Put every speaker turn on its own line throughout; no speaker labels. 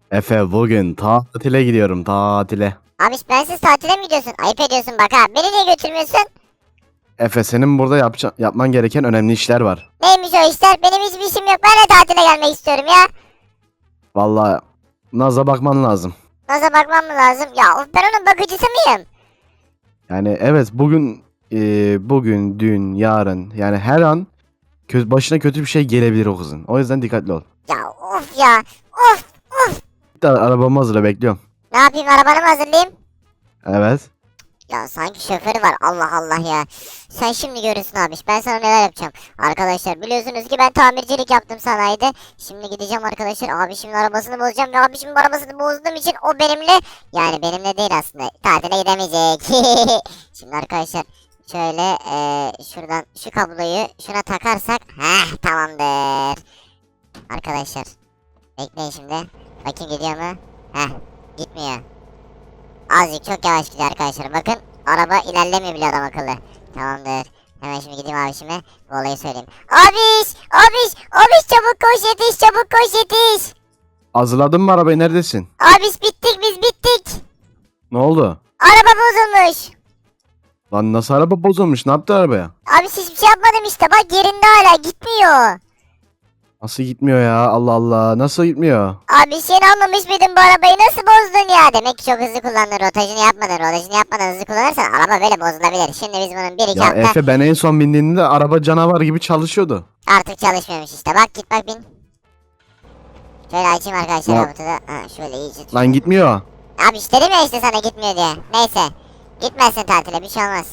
Efe bugün tatile gidiyorum tatile.
Abiş bensiz tatile mi gidiyorsun? Ayıp ediyorsun bak ha. Beni niye götürmüyorsun?
Efe senin burada yapman gereken önemli işler var.
Neymiş o işler? Benim hiçbir işim yok. Ben de tatile gelmek istiyorum ya.
Vallahi Naz'a bakman lazım.
Nasıl bakmam mı lazım? Ya of, ben onun bakıcısı mıyım?
Yani evet bugün, dün, yarın yani her an başına kötü bir şey gelebilir o kızın. O yüzden dikkatli ol.
Ya of ya. Of.
Bir de arabamı hazırla bekliyorum.
Ne yapayım, arabanı mı hazırlayayım?
Evet.
Ya sanki şoförü var, Allah Allah ya. Sen şimdi görürsün abiş, ben sana neler yapacağım. Arkadaşlar biliyorsunuz ki ben tamircilik yaptım sanayide. Şimdi gideceğim arkadaşlar, abişimin arabasını bozacağım. Ve abişimin arabasını bozduğum için o benimle, yani benimle değil aslında, tatile gidemeyecek. Şimdi arkadaşlar şöyle şuradan şu kabloyu şuna takarsak tamamdır. Arkadaşlar bekleyin şimdi. Bakayım gidiyor mu? Gitmiyor. Azıcık çok yavaş gidiyor arkadaşlar. Bakın araba ilerlemiyor bile adam akıllı. Tamamdır. Hemen şimdi gideyim abişime. Bu olayı söyleyeyim. Abiş çabuk koş yetiş, çabuk koş yetiş.
Hazırladın mı arabayı, neredesin?
Abiş bittik, biz bittik.
Ne oldu?
Araba bozulmuş.
Lan nasıl araba bozulmuş, ne yaptı arabaya?
Abiş hiçbir şey yapmadım işte, bak yerinde hala gitmiyor.
Nasıl gitmiyor ya, Allah Allah, nasıl gitmiyor?
Abi sen almamış mıydın bu arabayı, nasıl bozdun ya? Demek ki çok hızlı kullandın, rotajını yapmadan hızlı kullanırsan araba böyle bozulabilir. Şimdi biz bunun bir iki
Ya
hafta
Efe, ben en son bindiğimde araba canavar gibi çalışıyordu.
artık çalışmıyormuş işte, bak git bak bin. Şöyle açayım arkadaşlar
Ya.
robotu da. Şöyle iyice tut.
Lan gitmiyor.
Abi işte dedim ya işte sana gitmiyor diye. Neyse. Gitmezsin tatile, bir şey olmaz.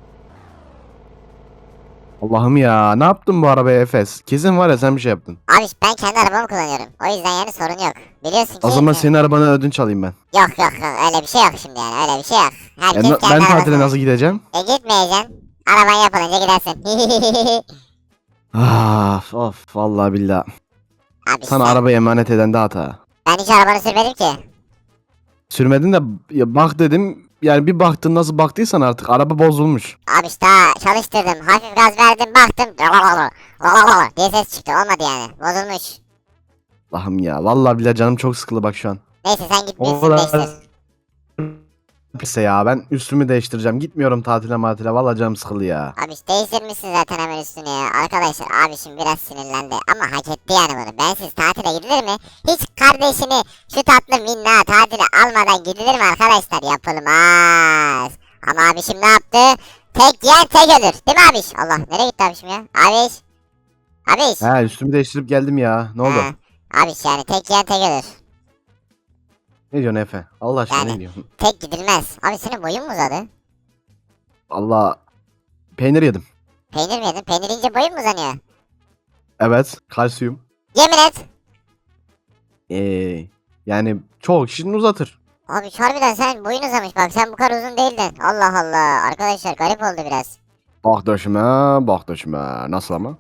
Allah'ım ya, ne yaptın bu arabaya Efes? Kesin var ya sen bir şey yaptın.
Abi ben kendi arabamı kullanıyorum. O yüzden yani sorun yok. Biliyorsun ki.
O zaman senin arabanı ödünç alayım ben.
Yok öyle bir şey yok şimdi, yani öyle bir şey yok. Herkes kendi
Ben tatile
arabasını.
nasıl gideceğim?
Gitmeyeceksin. Araban yapılınca gidersin.
Of vallahi billahi.
Abi
Sana
sen,
arabayı emanet eden de hata.
ben hiç arabanı sürmedim ki.
Sürmedin de ya bak dedim. Yani bir baktın, nasıl baktıysan artık araba bozulmuş.
Abi işte çalıştırdım. Hafif gaz verdim, baktım. diye ses çıktı, olmadı yani. Bozulmuş.
Allah'ım ya, vallahi billahi canım çok sıkıldı bak şu an.
Neyse sen git bir
O
üstünü
kadar
değiştir.
pisse ya, ben üstümü değiştireceğim. Gitmiyorum tatile matile, vallahi canım sıkıldı ya.
Abi değiştirmişsin zaten hemen üstünü ya. Arkadaşlar abişim biraz sinirlendi ama hak etti yani bunu. Bensiz tatile gidilir mi? Hiç kardeşini şu tatlı minna tatile almadan gidilir mi arkadaşlar? Yapılmaz. Ama abişim ne yaptı? Tek yiyen tek ölür. Değil mi abiş? Allah, nereye gitti abişim ya? Abiş. Abiş.
He, üstümü değiştirip geldim ya. Ne oldu?
Abiş yani tek yiyen tek ölür.
Ne diyorsun Efe? Allah aşkına
Yani
ne diyorsun?
tek gidilmez. Abi senin boyun mu uzadı?
Allah, peynir yedim.
Peynir mi yedin? Peynir yiyince boyun mu uzanıyor?
Evet, kalsiyum.
Yemin et.
Yani çok kişinin uzatır.
Abi harbiden sen boyun uzamış, bak sen bu kadar uzun değildin. Allah Allah, arkadaşlar garip oldu biraz.
Bak döşüme, bak döşüme. Nasıl ama?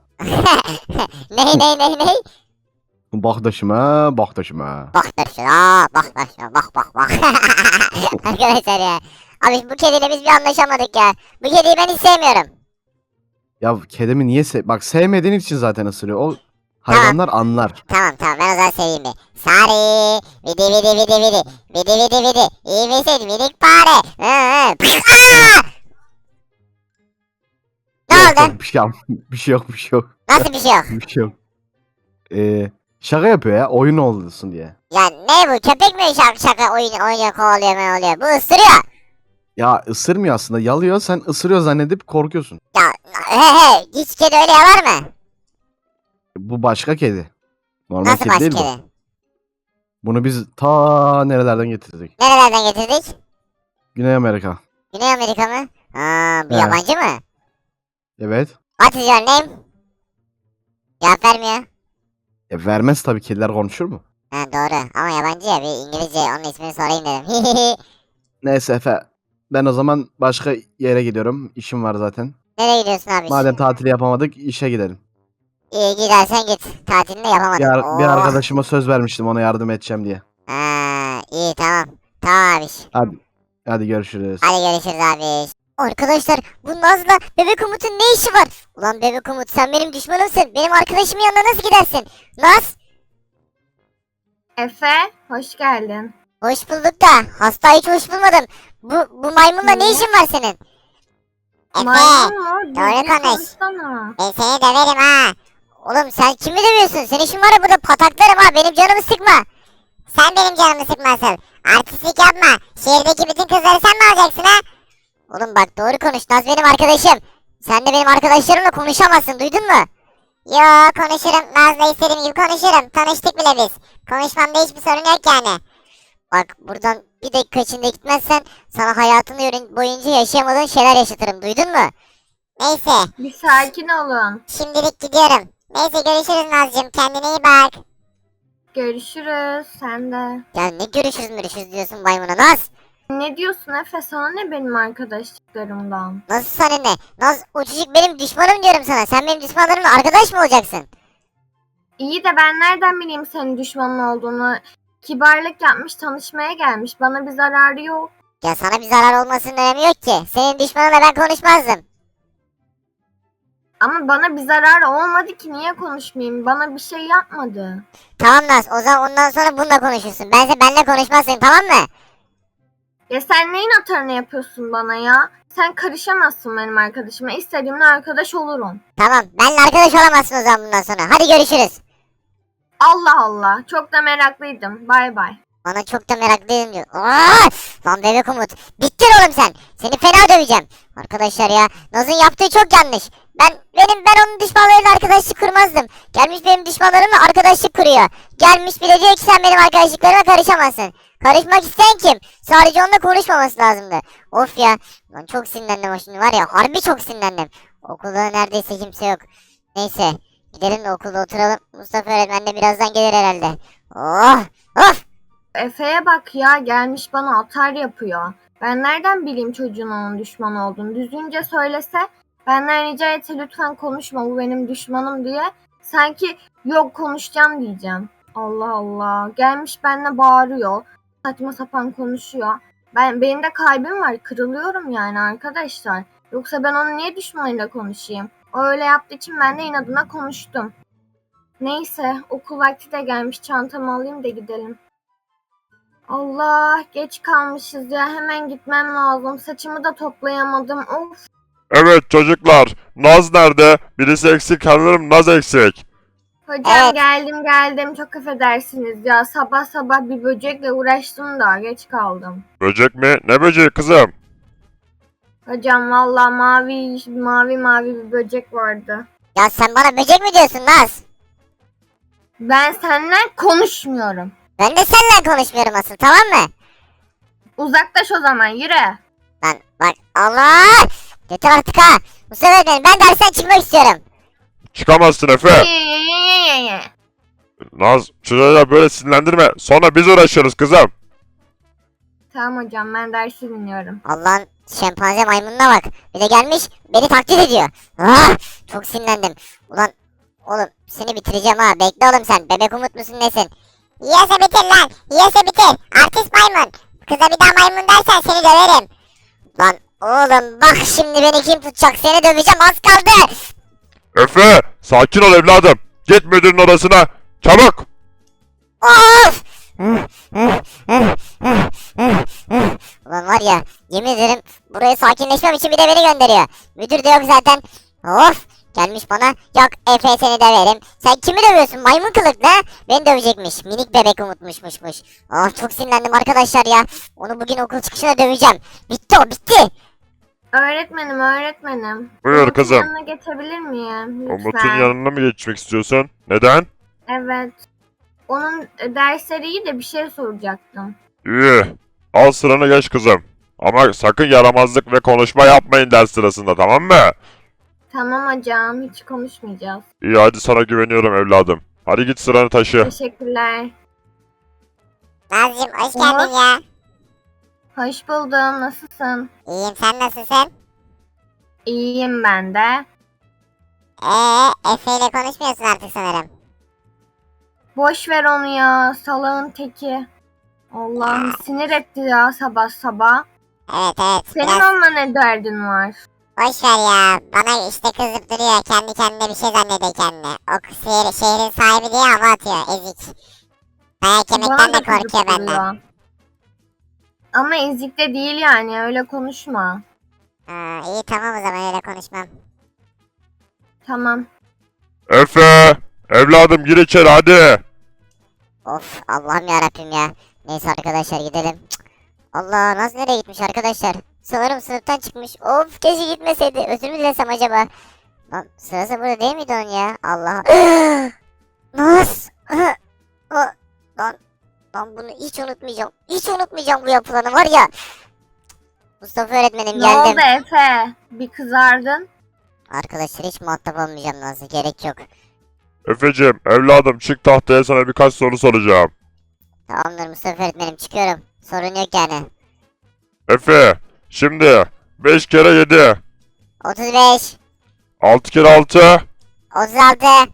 Ney?
Bak döşüme, bak döşüme.
Bak der şuna, bak. Arkadaşlar ya. Abi bu kediyle biz bir anlaşamadık ya. Bu kediyi ben hiç sevmiyorum.
Ya kedimi niye bak, sevmediğin için zaten ısırıyor. O hayvanlar anlar.
Tamam ben o zaman seveyim bir. Sari, vidi. Vidi. İyi misin minik fare? Aa! Ne
Yok
oldu?
yok, bir şey yok, bir şey yok.
Nasıl bir şey yok?
Bir şey yok. Şaka yapıyor ya, oyun olsun diye.
Ya ne bu, köpek mi şaka oynuyor kovalıyor ne oluyor? Bu ısırıyor.
Ya ısırmıyor aslında, yalıyor, sen ısırıyor zannedip korkuyorsun.
Ya hiç kedi öyle yalar mı?
Bu başka kedi. Normal
Nasıl
kedi
başka
değil bu.
kedi?
Bunu biz ta nerelerden getirdik?
Nerelerden getirdik?
Güney Amerika.
Güney Amerika mı? Bu
He.
yabancı mı?
Evet.
What is your name? Cevap vermiyor.
Vermez tabii, kediler konuşur mu?
Doğru ama yabancı ya, bir İngilizce onun ismini sorayım dedim.
Neyse Efe. Ben o zaman başka yere gidiyorum. İşim var zaten.
Nereye gidiyorsun abi?
Madem tatili yapamadık, işe gidelim.
İyi gidersen git. Tatilini yapamadın.
Bir arkadaşıma söz vermiştim, ona yardım edeceğim diye.
İyi tamam. Tamam abi.
Hadi görüşürüz.
Hadi görüşürüz abi. Arkadaşlar bu Naz'la Bebek Umut'un ne işi var? Ulan Bebek Umut, sen benim düşmanımsın. Benim arkadaşımın yanına nasıl gidersin? Naz?
Efe, hoş geldin.
Hoş bulduk da hasta hiç hoş bulmadım. Bu maymunla ne
Niye?
işin var senin? Efe
Maymun mu?
doğru
Düzgün
konuş.
konuşsana.
Ben seni döverim ha. Oğlum sen kimi dövüyorsun? Senin işin var ya burada pataklarım ha. Benim canımı sıkma. Sen benim canımı sıkmasın. Artistlik yapma. Şehirdeki bütün kızları sen mi alacaksın ha? Oğlum bak doğru konuş. Naz benim arkadaşım. Sen de benim arkadaşlarımla konuşamazsın. Duydun mu? Yo konuşurum. Naz'la istediğim gibi konuşurum. Tanıştık bile biz. Konuşmamda hiçbir sorun yok yani. Bak buradan bir dakika içinde gitmezsen sana hayatını boyunca yaşayamadığın şeyler yaşatırım. Duydun mu? Neyse.
Bir sakin olun.
Şimdilik gidiyorum. Neyse görüşürüz Nazcığım. Kendine iyi bak.
Görüşürüz. Sen de.
Ya ne görüşürüz diyorsun maymuna Naz?
Ne diyorsun Efe? Sana ne benim arkadaşlıklarımdan?
Nasıl sana ne? Naz o çocuk benim düşmanım diyorum sana. Sen benim düşmanlarımla arkadaş mı olacaksın?
İyi de ben nereden bileyim senin düşmanın olduğunu? Kibarlık yapmış, tanışmaya gelmiş. Bana bir zararı yok.
Ya sana bir zarar olmasının önemi yok ki. Senin düşmanınla ben konuşmazdım.
Ama bana bir zararı olmadı ki niye konuşmayayım? Bana bir şey yapmadı.
Tamam Naz o zaman ondan sonra bununla konuşursun. Benle konuşmazsın tamam mı?
Ya sen neyin atarını yapıyorsun bana ya? Sen karışamazsın benim arkadaşıma. İstediğimle arkadaş olurum.
Tamam benle arkadaş olamazsın o zaman bundan sonra. Hadi görüşürüz.
Allah Allah. Çok da meraklıydım. Bay bay.
Bana çok da meraklıyım diyor. Aa! Lan bebek Umut. Bittin oğlum sen. Seni fena döveceğim. Arkadaşlar ya Naz'ın yaptığı çok yanlış. Ben onun düşmanlarıyla arkadaşlık kurmazdım. Gelmiş benim düşmanlarımla arkadaşlık kuruyor. Gelmiş bir de diyor ki sen benim arkadaşlıklarıma karışamazsın. Karışmak isteyen kim? Sadece onunla konuşmaması lazımdı. Of ya. Lan çok sinirlendim o şimdi var ya. Harbi çok sinirlendim. Okulda neredeyse kimse yok. Neyse. Gidelim de okulda oturalım. Mustafa öğretmen de birazdan gelir herhalde. Oh! Of!
Efe'ye bak ya. Gelmiş bana atar yapıyor. Ben nereden bileyim çocuğun onun düşman olduğunu? Düzgünce söylese benden rica etse lütfen konuşma bu benim düşmanım diye. Sanki yok konuşacağım diyeceğim. Allah Allah. Gelmiş benimle bağırıyor. Saçma sapan konuşuyor. Benim de kalbim var. Kırılıyorum yani arkadaşlar. Yoksa ben onun niye düşmanıyla konuşayım? O öyle yaptığı için ben de inadına konuştum. Neyse okul vakti de gelmiş. Çantamı alayım da gidelim. Allah geç kalmışız ya. Hemen gitmem lazım. Saçımı da toplayamadım. Of.
Evet çocuklar, Naz nerede? Birisi eksik sanırım Naz eksik.
Hocam
Evet.
geldim. Çok affedersiniz ya. Sabah sabah bir böcekle uğraştım da geç kaldım.
Böcek mi? Ne böceği kızım?
Hocam valla mavi bir böcek vardı.
Ya sen bana böcek mi diyorsun Naz?
Ben seninle konuşmuyorum.
Ben de seninle konuşmuyorum asıl tamam mı?
Uzaklaş o zaman yürü.
Lan bak Allah! Yeter artık ha! Mustafa öğretmenim ben dersten çıkmak istiyorum.
Çıkamazsın Efe. Naz, çocuğa böyle sinirlendirme. Sonra biz uğraşıyoruz kızım.
Tamam hocam ben dersi dinliyorum.
Allah'ın şempanze maymununa bak. Bir de gelmiş beni taklit ediyor. Ah! Çok sinirlendim. Ulan oğlum seni bitireceğim ha. Bekle oğlum sen. Bebek Umut musun nesin? Yiyese bitir lan. Yiyese bitir. Artist maymun. Kıza bir daha maymun dersen seni döverim. Lan oğlum bak şimdi beni kim tutacak? Seni döveceğim az kaldı.
Efe, sakin ol evladım. Git müdürün odasına. Çabuk.
Of! Ulan var ya yemin ederim buraya sakinleşmem için bir de beni gönderiyor. Müdür de yok zaten. Of! Gelmiş bana yok Efe seni döverim. Sen kimi dövüyorsun maymun kılıklı ha? Beni dövecekmiş. Minik bebek Umutmuşmuş. Ah çok sinirlendim arkadaşlar ya. Onu bugün okul çıkışına döveceğim. Bitti o bitti.
Öğretmenim.
Buyur
Umut'un
kızım.
yanına geçebilir miyim? Lütfen.
Umut'un yanına mı geçmek istiyorsun? Neden?
Evet. Onun dersleri iyi de bir şey soracaktım.
İyi. Al sıranı geç kızım. Ama sakın yaramazlık ve konuşma yapmayın ders sırasında, tamam mı?
Tamam hocam hiç konuşmayacağız.
İyi, hadi sana güveniyorum evladım. Hadi git sıranı taşı.
Teşekkürler.
Nazcığım hoş
Umut.
geldin ya.
Hoş buldum. Nasılsın?
İyiyim sen nasılsın?
İyiyim ben de.
Efe ile konuşmuyorsun artık sanırım.
Boş ver onu ya. Salağın teki. Allah'ım sinir etti ya sabah sabah.
Evet
Senin
biraz
onunla ne derdin var?
boş ver ya. Bana işte kızıp duruyor. Kendi kendine bir şey zannediyor kendini. O şehrin sahibi diye hava atıyor ezik. Dayak
Bana
yemekten
da
de korkuyor
çocuk
benden.
oluyor. Ama ezik de değil yani, öyle konuşma.
Ha, iyi tamam o zaman öyle konuşmam.
Tamam.
Efe! Evladım gir içeri hadi.
Of Allah'ım yarabbim ya. Neyse arkadaşlar gidelim. Cık. Allah Naz nereye gitmiş arkadaşlar? Sanırım sınıftan çıkmış. Of keşke gitmeseydi. Özür mü dilesem acaba? Lan sırası burada değil miydi onun ya? Allah. Naz. Lan, lan bunu hiç unutmayacağım. Hiç unutmayacağım bu yapılanı var ya. Mustafa öğretmenim
Ne oldu
geldim.
Efe? Bir kızardın.
Arkadaşlar hiç muhatap olmayacağım Nazlı. Gerek yok.
Efeciğim evladım çık tahtaya sana birkaç soru soracağım.
Tamamdır Mustafa öğretmenim çıkıyorum. Sorun yok yani.
Efe şimdi 5 kere 7.
35,
6 kere 6.
36,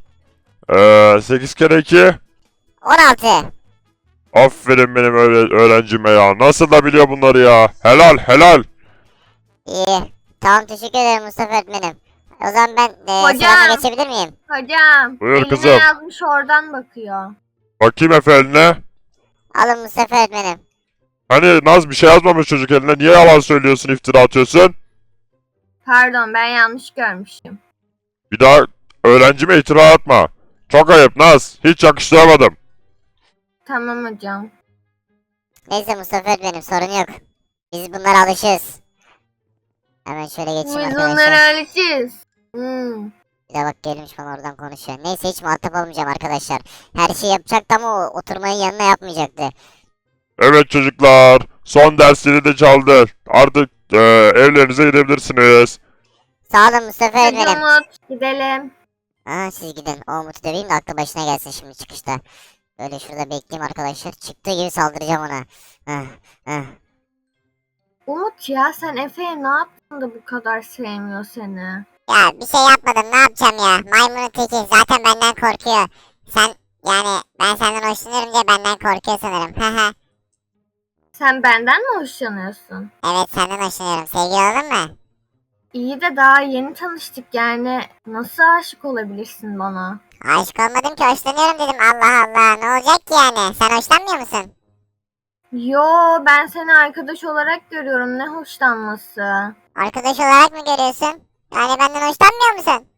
8 kere 2.
16.
Aferin benim öğrencime ya. Nasıl da biliyor bunları ya. Helal helal.
İyi. Tamam teşekkür ederim Mustafa öğretmenim. O zaman ben
Hocam.
sırama geçebilir miyim?
Hocam.
Buyur
eline
kızım.
yazmış oradan bakıyor.
Bakayım Efe eline.
Alın Mustafa öğretmenim.
Hani Naz bir şey yazmamış çocuk eline. Niye yalan söylüyorsun, iftira atıyorsun?
Pardon, ben yanlış görmüşüm.
Bir daha öğrencime iftira atma. Çok ayıp Naz. Hiç yakıştıramadım.
Tamam hocam.
Neyse Mustafa öğretmenim sorun yok. Biz bunlara alışığız. Hemen şöyle
Biz
geçeyim
bunlara
arkadaşlar.
alışırız. Hmm.
Bir de bak gelmiş bana oradan konuşuyor. Neyse hiç muhatap olmayacağım arkadaşlar. Her şeyi yapacaktı ama o oturmayı yanına yapmayacaktı.
Evet çocuklar. Son dersleri de çaldı. Artık evlerinize gidebilirsiniz.
Sağ olun Mustafa
Hadi
öğretmenim.
Umut, gidelim.
Aa siz gidin. O Umut'u döveyim de aklı başına gelsin şimdi çıkışta. Böyle şurada bekleyeyim arkadaşlar. Çıktığı gibi saldıracağım ona. Heh, heh.
Umut ya, sen Efe'ye ne yaptın da bu kadar sevmiyor seni?
Ya bir şey yapmadım ne yapacağım ya. Maymunun teki zaten benden korkuyor. Sen yani ben senden hoşlanıyorum diye benden korkuyor sanırım. Haha.
Sen benden mi hoşlanıyorsun?
Evet senden hoşlanıyorum. Sevgili olalım mı?
İyi de daha yeni tanıştık yani. Nasıl aşık olabilirsin bana?
Aşık olmadım ki hoşlanıyorum dedim. Allah Allah ne olacak ki yani? Sen hoşlanmıyor musun?
Yo, ben seni arkadaş olarak görüyorum. Ne hoşlanması?
Arkadaş olarak mı görüyorsun? Yani benden hoşlanmıyor musun?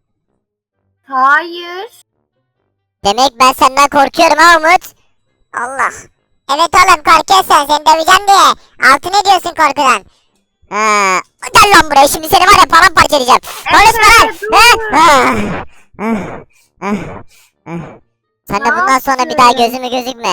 Hayır.
Demek ben senden korkuyorum ha Umut. Allah. Evet oğlum korkuyorsun seni döveceğim diye. Altı ne diyorsun korkudan? Ha, gel lan buraya şimdi seni var ya paramparça edeceğim. Konuşma lan.
dur.
Ha, ah, ah, ah. Sen de
Ne
bundan sonra bir daha
yaptın?
gözüme gözükme.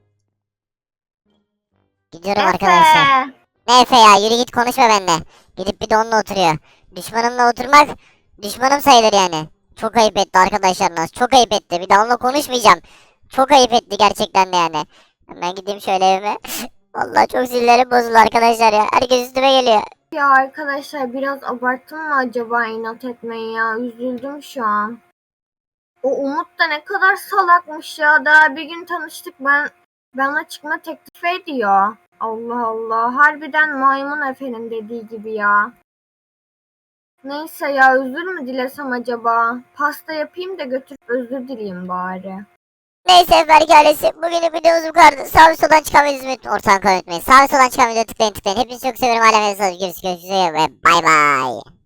Gidiyorum arkadaşlar.
Efe.
Ne Efe ya yürü git konuşma benimle. Gidip bir de onunla oturuyor. Düşmanımla oturmak düşmanım sayılır yani. Çok ayıp etti arkadaşlar Naz. Çok ayıp etti. Bir daha onunla konuşmayacağım. Çok ayıp etti gerçekten de yani. Hemen gideyim şöyle evime. Vallahi çok sinirlerim bozuldu arkadaşlar ya. Herkes üstüme geliyor.
Ya arkadaşlar, biraz abarttım mı acaba inat etmeyi ya? Üzüldüm şu an. O Umut da ne kadar salakmış ya. Daha bir gün tanıştık, bana çıkma teklif ediyor. Allah Allah. Harbiden maymun Efe'nin dediği gibi ya. Neyse ya, özür mü dilesem acaba? Pasta yapayım da götürüp özür dileyeyim bari.
Neyse Berk ailesi. Bugünün videomuz bu kadar. Sağ ve soldan çıkan videoyu unutmayın. Ortadan unutmayın. Sağ ve soldan çıkan videoyu tıklayın tıklayın. Hepinizi çok seviyorum. Aleminize görüşürüz ve bay bay.